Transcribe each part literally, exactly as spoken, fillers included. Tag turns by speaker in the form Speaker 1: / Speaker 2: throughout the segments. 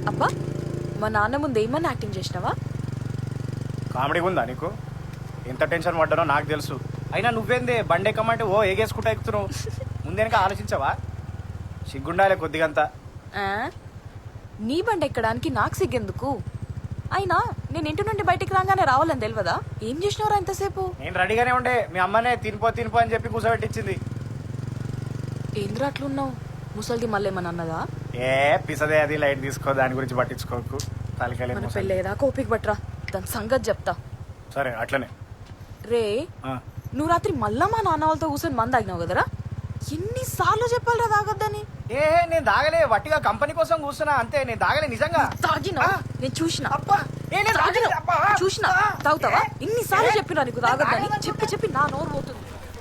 Speaker 1: అబ్బా మా నాన్న ముందు ఏమన్నా యాక్టింగ్ చేసినావా?
Speaker 2: కామెడీగా ఉందా నీకు? ఎంత టెన్షన్ పడ్డానో నాకు తెలుసు. అయినా నువ్వేందే బండి ఎక్కమంటే ఓ ఏగేసుకుంటా ఎక్కుతున్నావు. ముందేనక ఆలోచించవా? సిగ్గుండాలే కొద్దిగంతా.
Speaker 1: ఆ? నీ బండి ఎక్కడానికి నాకు సిగ్గెందుకు? అయినా నేను ఇంటి నుండి బయటికి రాగానే రావాలని తెలియదా? ఏం చేసినవరా ఇంతసేపు?
Speaker 2: నేను రెడీగానే ఉండే, మీ అమ్మనే తినిపో తినిపో అని చెప్పి కూర్చోబెట్టించింది.
Speaker 1: ఏంద్రా అట్లున్నావు? ముసలిది మళ్ళీ ఏమన్నా అన్నదా?
Speaker 2: ఏ పిసదే, అది లైట్ తీసుకో, దాని గురించి పట్టించుకోకు. తలకెళ్ళి
Speaker 1: మన పెళ్ళేదాకా ఓపిక పట్రా, దాని సంగతి చెప్తా.
Speaker 2: సరే అట్లనే.
Speaker 1: రే
Speaker 2: ఆ.
Speaker 1: నువ్వు రాత్రి మళ్ళా మా నాన్న వాళ్ళతో కూర్చొని మంది తాగినావు కదరా? ఎన్నిసార్లు చెప్పాలరా తాగొద్దని?
Speaker 2: ఏ నేను దాగలే, వట్టిగా కంపెనీ కోసం కూర్చున్నా అంతే. నేను దాగలే నిజంగా.
Speaker 1: తాగినా? నేను చూసిన
Speaker 2: అబ్బా ఏ నేను
Speaker 1: తాగినా.
Speaker 2: తాగలే, అబ్బా.
Speaker 1: చూసిన తాగుతావా? ఇన్నిసార్లు చెప్పినా నీకు తాగొద్దని. చెప్పి చెప్పి నా నోరు పోతుంది.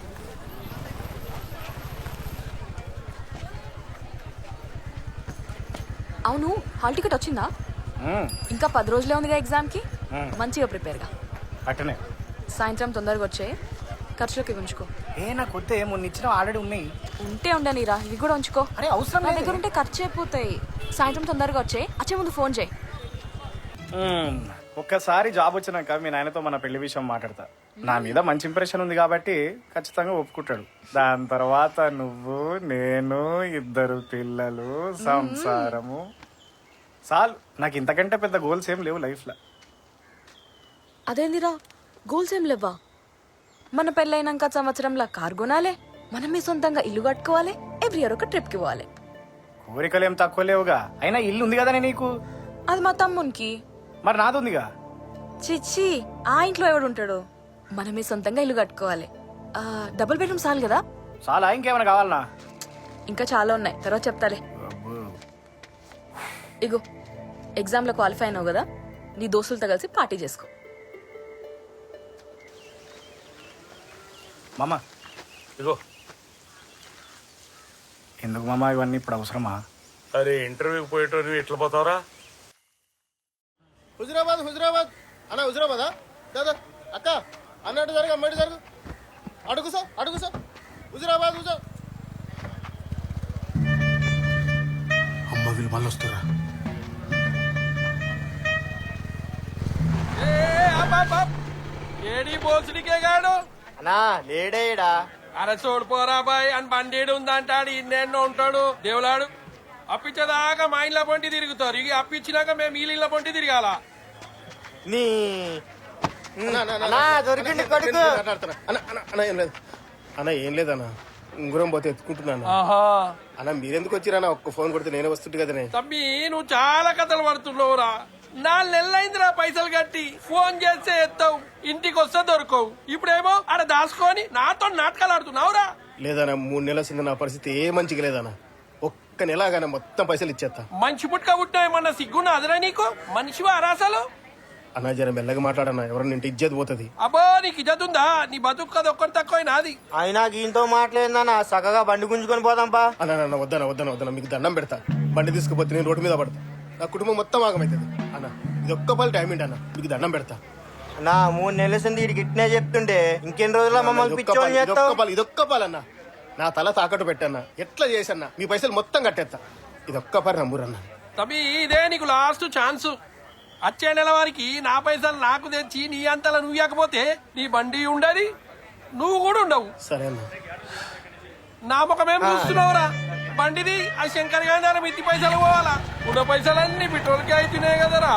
Speaker 1: అవును, హాల్ టికెట్ వచ్చిందా?
Speaker 2: ఉమ్,
Speaker 1: ఇంకా పది రోజులే ఉందిగా ఎగ్జామ్ కి.
Speaker 2: ఉమ్.
Speaker 1: మంచిగా ప్రిపేర్ గా.
Speaker 2: అట్టనే.
Speaker 1: సాయంత్రం తొందరగా వచ్చే, ఖర్చులోకి ఉంచుకో.
Speaker 2: ఏ నాకు వద్దే, మొన్న ఇచ్చిన ఆల్రెడీ ఉన్నాయి.
Speaker 1: ఉంటే ఉండనిరా, ఇవి కూడా ఉంచుకో.
Speaker 2: అరే అవసరం
Speaker 1: నా
Speaker 2: లేదు.
Speaker 1: దగ్గర ఉంటే ఖర్చు అయిపోతాయి. సాయంత్రం తొందరగా వచ్చే, వచ్చే ముందు ఫోన్ చేయి.
Speaker 2: ఉమ్, ఒక్కసారి జాబ్ వచ్చినాక మీ నాయనతో మన పెళ్లి విషయం మాట్లాడతా. నా మీద మంచి ఇంప్రెషన్ ఉంది కాబట్టి ఖచ్చితంగా ఒప్పుకుంటాడు. దాని తర్వాత నువ్వు, నేను, ఇద్దరు పిల్లలు, సంసారము. చాలు, నాకు ఇంతకంటే పెద్ద గోల్స్ ఏం లేవు లైఫ్ లో.
Speaker 1: అదేందిరా గోల్స్ ఏం లేవా? మన పెళ్ళైనాక సంవత్సరంలో కార్ కొనాలి, మనమే సొంతంగా ఇల్లు కట్టుకోవాలి, ఎవ్రీ ఇయర్ ఒక ట్రిప్ కి పోవాలి.
Speaker 2: కోరికలు ఏం తక్కువ లేవుగా. అయినా ఇల్లు ఉంది కదా నీకు.
Speaker 1: అది మా తమ్మునికి.
Speaker 2: మరి నాది ఉందిగా.
Speaker 1: చిచ్చి, ఆ ఇంట్లో ఎవడు ఉంటాడు? మనమే సొంతంగా ఇల్లు కట్టుకోవాలి. ఆ, డబుల్ బెడ్రూమ్ చాలు కదా?
Speaker 2: చాలా, ఇంకేమైనా కావాలనా?
Speaker 1: ఇంకా చాలా ఉన్నాయి, తర్వాత చెప్తాలే. ఇగో ఎగ్జామ్ లో క్వాలిఫై అయినావు కదా, నీ దోస్తులతో కలిసి పార్టీ చేసుకో.
Speaker 2: మామ
Speaker 3: ఇగో
Speaker 2: ఎందుకు మామ ఇవన్నీ ఇప్పుడు అవసరమా?
Speaker 3: అరే ఇంటర్వ్యూకి పోయేటోని ఎట్లా పోతావరా?
Speaker 4: హుజురాబాద్ హుజురాబాద్ అన్న, హుజురాబాదా? దాదా అక్క అన్నట్టు జరుగు, అమ్మటి జరుగు. అడుగు సార్, అడుగు సార్. హుజురాబాద్ హుజురా. అమ్మ వీళ్ళు మళ్ళీ వస్తారా?
Speaker 5: ఏడి బోసుడికే గాడు
Speaker 4: అన్నా లేడేడా?
Speaker 5: అరే చూడిపోరా బాయ్ అని బండేడు ఉందంటాడు, ఇన్నెన్నో ఉంటాడు దేవులాడు. అప్పించేదాకా మా ఇళ్ళ పొంటి తిరుగుతారు, ఇక అప్పించినాక మేము ఈ ఇళ్ళ పొంటి తిరగాల.
Speaker 4: నీ దొరికింది కొడుకు. అన్న అన్న ఏం లేదు అన్న, ఏం లేదన్నా, ఉంగురం పోతే ఎత్తుకుంటున్నాను.
Speaker 5: ఆహా
Speaker 4: అన్న మీరెందుకు వచ్చిరన్నా? ఒక్క ఫోన్ కొడితే నేనే వస్తుంటే కదనే.
Speaker 5: తమ్మి నువ్వు చాలా కథలు పడుతున్నావురా. నాలుగు నెలలైందిరా పైసలు కట్టి, ఫోన్ చేస్తే ఎత్తావు, ఇంటికి వస్తే దొరకవు. ఇప్పుడేమో ఆడ దాచుకొని నాతో నాటకాలు ఆడుతున్నావురా.
Speaker 4: లేదన్నా, మూడు నెలల కింద నా పరిస్థితి ఏ మంచిగా లేదన్నా. ఒక్క నెలగానే మొత్తం పైసలు ఇచ్చేస్తా.
Speaker 5: మంచి పుట్టుక పుట్టామన్న సిగ్గున్న అదరా నీకు? మనిషివా అరాసలు?
Speaker 4: అన్నా జర మెల్లగా మాట్లాడన్నా, ఎవరన్నా ఇంటి ఇజ్జత్ పోతుంది.
Speaker 5: అబ్బో నీకు ఇజ్జత్ ఉందా? నీ బతుకు కదా ఒక్కటి తక్కువ నాది.
Speaker 6: అయినా గీంతో మాట్లాడిందన్నా, చక్కగా బండి గుంజుకొని పోదాంపా.
Speaker 4: అన్న వద్దన వద్దన వద్దన, మీకు దండం పెడతా. బండి తీసుకుపోతే నేను రోడ్డు మీద పడతా, నా కుటుంబం మొత్తం ఆగమవుతుంది. అన్న ఇది ఒక్క పలు టైం ఏంటి అన్న, మీకు దండం పెడతా.
Speaker 6: నా మూడు నెలల సంది వీడికి ఇట్నే చెప్తుండే, ఇంకెన్ని రోజుల మమ్మల్ని పిచ్చోని చేస్తావు?
Speaker 4: ఇదొక్క పాలు ఇదొక్క పాలన్న, నా తల తాకట్టు పెట్టన్నా, ఎట్లా చేసన్నా మీ పైసలు మొత్తం కట్టేస్తా. ఇదొక్క పని నమ్మురన్నా.
Speaker 5: తమ్మి ఇదే నీకు లాస్ట్ ఛాన్స్. వచ్చే నెల వారికి నా పైసలు నాకు తెచ్చి నీ అంతలా నువ్వు ఇవ్వకపోతే నీ బండి ఉండదు, నువ్వు కూడా ఉండవు.
Speaker 4: సరే అన్న.
Speaker 5: నా ముఖమేం చూస్తున్నావురా? బండిది ఆ శంకర్ గారి మిత్తి పైసలు పోవాలా? ఉన్న పైసలన్నీ పెట్రోల్కి అయితేనే కదరా.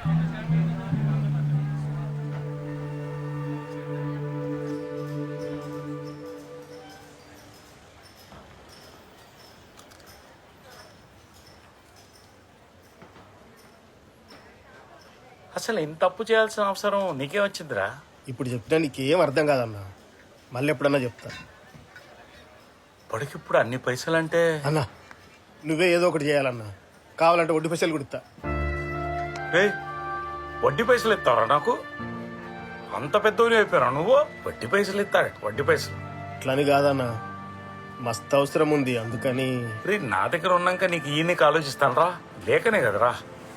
Speaker 3: అసలు ఇంత తప్పు చేయాల్సిన అవసరం నీకే వచ్చిందిరా?
Speaker 4: ఇప్పుడు చెప్పినా నీకేం అర్థం కాదన్నా, మళ్ళీ ఎప్పుడన్నా చెప్తా.
Speaker 3: ఇప్పటికిప్పుడు అన్ని పైసలు అంటే
Speaker 4: అన్నా నువ్వే ఏదో ఒకటి చేయాలన్నా, కావాలంటే వడ్డీ పైసలు కుడతా.
Speaker 3: ఏయ్, వడ్డీ పైసలు ఇస్తావరా నాకు? అంత పెద్దోని అయిపోయారా నువ్వు? వడ్డీ పైసలు ఇస్తాడు, వడ్డీ పైసలు.
Speaker 4: అట్లని కాదన్నా, మస్తు అవసరం ఉంది అందుకని.
Speaker 3: రే నా దగ్గర ఉన్నాక నీకు ఈ నీకు ఆలోచిస్తానరా, లేకనే కదరా.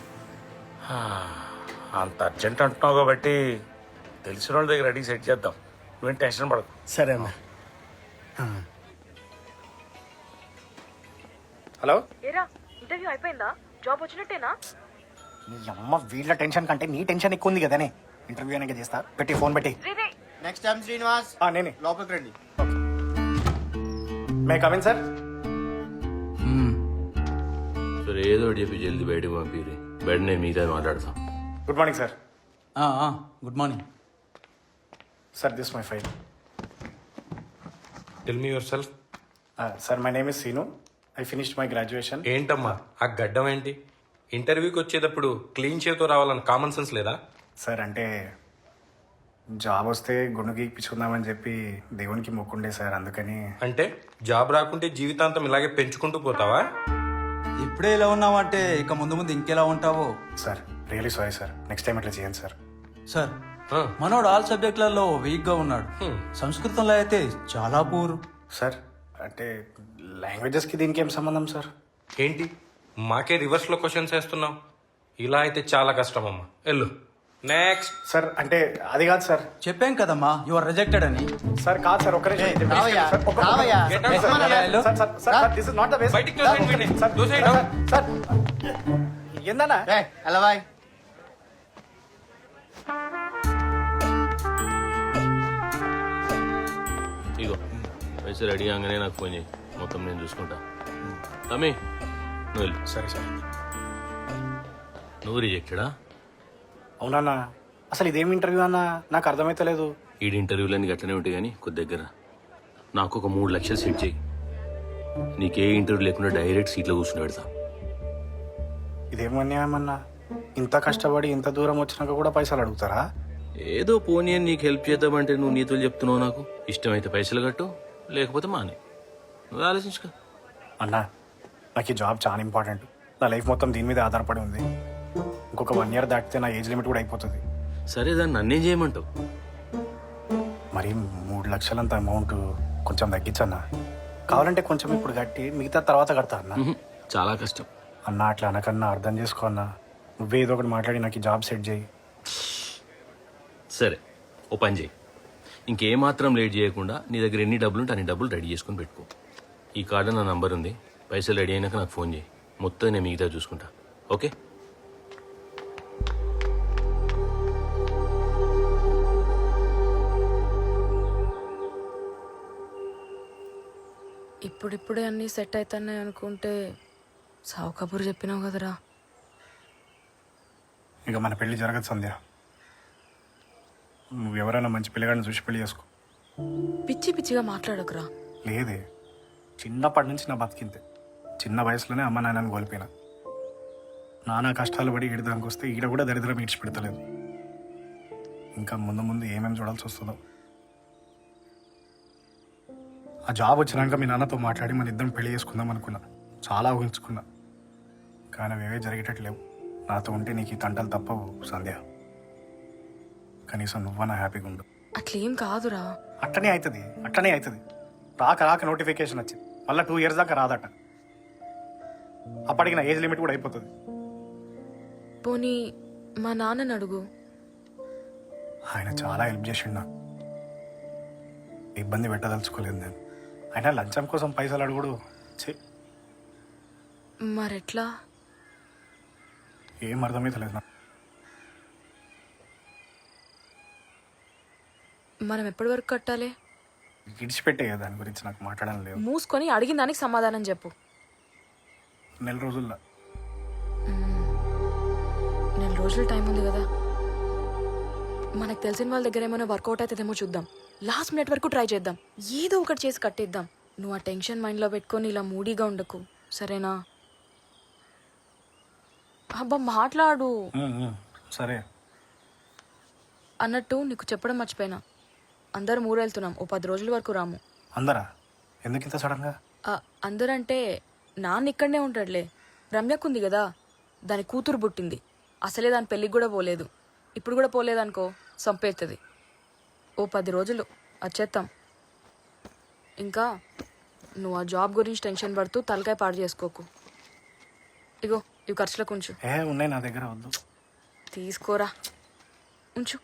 Speaker 3: అంత అర్జెంట్ అంటున్నావు కాబట్టి తెలిసిన వాళ్ళ దగ్గర అడిగి సెట్ చేద్దాం, నువ్వేం టెన్షన్ పడకు.
Speaker 4: సరే అన్న.
Speaker 2: హలో,
Speaker 1: ఏరా ఇంటర్వ్యూ అయిపోయిందా? జాబ్ వచ్చినట్టేనా?
Speaker 2: నీ అమ్మ వీళ్ళ టెన్షన్ కంటే నీ టెన్షన్ ఎక్కువ ఉంది కదనే. ఇంటర్వ్యూ అనేది చేస్తా, పెట్టి ఫోన్ పెట్టి.
Speaker 6: నెక్స్ట్ టైం శ్రీనివాస్
Speaker 2: ఆ, నేనే.
Speaker 6: లోపలికి రండి.
Speaker 2: May come in sir.
Speaker 7: సరే ఏదో ఒకటి చెప్పి జల్దీ బయటకు పంపిరి. బయట నేను మీతో మాట్లాడతాం.
Speaker 2: Good morning sir.
Speaker 8: Good morning.
Speaker 2: Sir this my file.
Speaker 3: Tell me yourself.
Speaker 2: Sir my name is Seenu. I finished my graduation.
Speaker 3: ఏంటమ్మా ఆ గడ్డం ఏంటి? ఇంటర్వ్యూకి వచ్చేటప్పుడు క్లీన్ చేతో రావాలని కామన్ సెన్స్ లేదా?
Speaker 2: సార్ అంటే జాబ్ వస్తే గుండు గీక్పించుకుందామని చెప్పి దేవునికి మొక్కుండే సార్, అందుకని.
Speaker 3: అంటే జాబ్ రాకుంటే జీవితాంతం ఇలాగే పెంచుకుంటూ పోతావా?
Speaker 8: ఇప్పుడే ఇలా ఉన్నావంటే ఇక ముందు ముందు ఇంకెలా ఉంటావో.
Speaker 2: Sir really sorry sir, next time ఇట్లా చేయండి సార్.
Speaker 8: సార్
Speaker 3: ఆ,
Speaker 8: మనోడు ఆల్ సబ్జెక్టులలో వీక్ గా ఉన్నాడు.
Speaker 3: హ్మ్.
Speaker 8: సంస్కృతంలో అయితే చాలా పూరు.
Speaker 2: సార్ అంటే లాంగ్వేజెస్కి దీనికి ఏం సంబంధం సార్?
Speaker 3: ఏంటి మాకే రివర్స్ లో క్వశ్చన్స్ వేస్తున్నావు? ఇలా అయితే చాలా కష్టం అమ్మా. వెళ్ళు నెక్స్ట్.
Speaker 2: సార్ అంటే అది కాదు సార్.
Speaker 8: చెప్పాం కదమ్మా యు ఆర్ రిజెక్టెడ్ అని.
Speaker 2: సార్ కాదు సార్, ఒక్క నిమిషం.
Speaker 6: ఏయ్, రావయ్యా,
Speaker 2: సార్, ఒక్క-
Speaker 6: రావయ్యా.
Speaker 3: Get out.
Speaker 2: Sir,
Speaker 8: hello.
Speaker 2: Sir, sir, sir, sir, this is not the way, sir.
Speaker 3: బయటికి తోసేయండి వీడిని.
Speaker 2: సార్,
Speaker 3: తోసేయండి.
Speaker 2: సార్, సార్, ఏందన్నా?
Speaker 6: ఏయ్, ఎలా బాయ్?
Speaker 7: ఇగో వయసు రెడీ కాగానే నాకు ఫోన్ చేయి, మొత్తం నేను చూసుకుంటా. తమ్మి నువ్వు వెళ్ళు.
Speaker 2: సరే సార్.
Speaker 7: నువ్వు రిజెక్టెడా?
Speaker 2: అవునన్నా, అసలు ఇదేం ఇంటర్వ్యూ అన్నా, నాకు అర్థమైతలేదు.
Speaker 7: ఈడి ఇంటర్వ్యూలన్నీ గట్లనే ఉంటాయి కానీ కొద్ది దగ్గర నాకు ఒక మూడు లక్షలు సెట్ చేయి. నీకే ఇంటర్వ్యూ లేకుండా డైరెక్ట్ సీట్లో కూర్చుని పెడతా.
Speaker 2: ఇదేం అన్యాయమన్నా, ఇంత కష్టపడి ఇంత దూరం వచ్చినాక కూడా పైసలు అడుగుతారా?
Speaker 7: ఏదో పోనీ అని నీకు హెల్ప్ చేద్దామంటే నువ్వు నీతులు చెప్తున్నావు. నాకు ఇష్టమైతే పైసలు కట్టు, లేకపోతే మానే. నువ్వు ఆలోచించుకో.
Speaker 2: అన్నా నాకు ఈ జాబ్ చాలా ఇంపార్టెంట్. నా లైఫ్ మొత్తం దీని మీద ఆధారపడి ఉంది. ఇంకొక వన్ ఇయర్ దాటితే నా ఏజ్ లిమిట్ కూడా అయిపోతుంది.
Speaker 7: సరే దాన్ని నన్నేం చేయమంటావు?
Speaker 2: మరి మూడు లక్షలంత అమౌంట్ కొంచెం తగ్గించన్నా. కావాలంటే కొంచెం ఇప్పుడు కట్టి మిగతా తర్వాత కడతా అన్న.
Speaker 7: ఉహు, చాలా కష్టం.
Speaker 2: అన్న అట్లా అనకన్నా, అర్థం చేసుకో అన్నా. నువ్వే ఏదో ఒకటి మాట్లాడి నాకు ఈ జాబ్ సెట్ చేయి.
Speaker 7: సరే ఓ పని చేయి, ఇంకేమాత్రం లేట్ చేయకుండా నీ దగ్గర ఎన్ని డబ్బులు ఉంటే అన్ని డబ్బులు రెడీ చేసుకుని పెట్టుకో. ఈ కార్డు నా నంబర్ ఉంది. పైసలు రెడీ అయినాక నాకు ఫోన్ చేయి, మొత్తం నేను మిగతా చూసుకుంటా. ఓకే?
Speaker 1: ఇప్పుడిప్పుడే అన్నీ సెట్ అవుతున్నాయి అనుకుంటే సావు కబురు చెప్పినావు కదరా.
Speaker 2: ఇక మన పెళ్లి జరగదు సంధ్య. నువ్వు ఎవరైనా మంచి పిల్లగాడిని చూసి పెళ్లి చేసుకో.
Speaker 1: పిచ్చి పిచ్చిగా మాట్లాడకురా.
Speaker 2: లేదే, చిన్నప్పటి నుంచి నా బతికింతే. చిన్న వయసులోనే అమ్మ నాన్నని కోల్పోయినా. నానా కష్టాలు పడి ఈడదానికి వస్తే ఈడ కూడా దరిద్రం ఈడ్చి పెడతలేదు. ఇంకా ముందు ముందు ఏమేమి చూడాల్సి వస్తుందో. ఆ జాబ్ వచ్చినాక మీ నాన్నతో మాట్లాడి మన ఇద్దరం పెళ్లి చేసుకుందాం అనుకున్నా. చాలా ఊహించుకున్నా, కానీ అవేవే జరిగేటట్లేవు. నాతో ఉంటే నీకు ఈ తంటలు తప్పవు సంధ్య. కనీసం నువ్వన్నా హ్యాపీగా ఉండు.
Speaker 1: అట్లేం కాదురా.
Speaker 2: అట్లనే అవుతుంది, అట్లనే అవుతుంది. రాక రాక నోటిఫికేషన్ వచ్చింది, మళ్ళీ టూ ఇయర్స్ దాకా రాదట. అప్పటికి నా ఏజ్ లిమిట్ కూడా అయిపోతుంది.
Speaker 1: పోనీ మా నాన్నని అడుగు.
Speaker 2: ఆయన చాలా హెల్ప్ చేసిండు నాకు. ఇబ్బంది పెట్టదలుచుకోలేదు నేను. ఆయన లంచం కోసం పైసలు అడుగుడు ఛీ,
Speaker 1: మరెట్లా?
Speaker 2: ఏం అర్థమైతలేదు నాకు.
Speaker 1: మనం ఎప్పటి వరకు కట్టాలి?
Speaker 2: విడిచిపెట్టే కదా దాని గురించి నాకు మాట్లాడడం లేదు.
Speaker 1: మూసుకొని అడిగిన దానికి సమాధానం చెప్పు.
Speaker 2: నెల రోజుల్లో.
Speaker 1: నెల రోజులు టైం ఉంది కదా. మనకు తెలిసిన వాళ్ళ దగ్గర ఏమైనా వర్కౌట్ అవుతుందేమో చూద్దాం. లాస్ట్ మినిట్ వరకు ట్రై చేద్దాం. ఏదో ఒకటి చేసి కట్టేద్దాం. నువ్వు ఆ టెన్షన్ మైండ్లో పెట్టుకొని ఇలా మూడీగా ఉండకు, సరేనా? అబ్బా మాట్లాడు.
Speaker 2: ఉమ్, ఉమ్, సరే.
Speaker 1: అన్నట్టు నీకు చెప్పడం మర్చిపోయినా, అందరం ఊరెళ్తున్నాం. ఓ పది రోజుల వరకు రాము.
Speaker 2: అందరా? ఎందుకు ఇంత సడన్గా?
Speaker 1: ఆ, అందరంటే నాన్న ఇక్కడనే ఉంటాడులే. రమ్యకుంది కదా, దాని కూతురు పుట్టింది. అసలే దాని పెళ్ళికి కూడా పోలేదు. ఇప్పుడు కూడా పోలేదనుకో సంపేస్తుంది. ఓ పది రోజులు వచ్చేస్తాం. ఇంకా నువ్వు ఆ జాబ్ గురించి టెన్షన్ పడుతూ తలకాయ పాడు చేసుకోకు. ఇగో ఇవి ఖర్చులకు ఉంచు.
Speaker 2: ఏ ఉన్నాయి నా దగ్గర, వద్దు.
Speaker 1: తీసుకోరా, ఉంచు.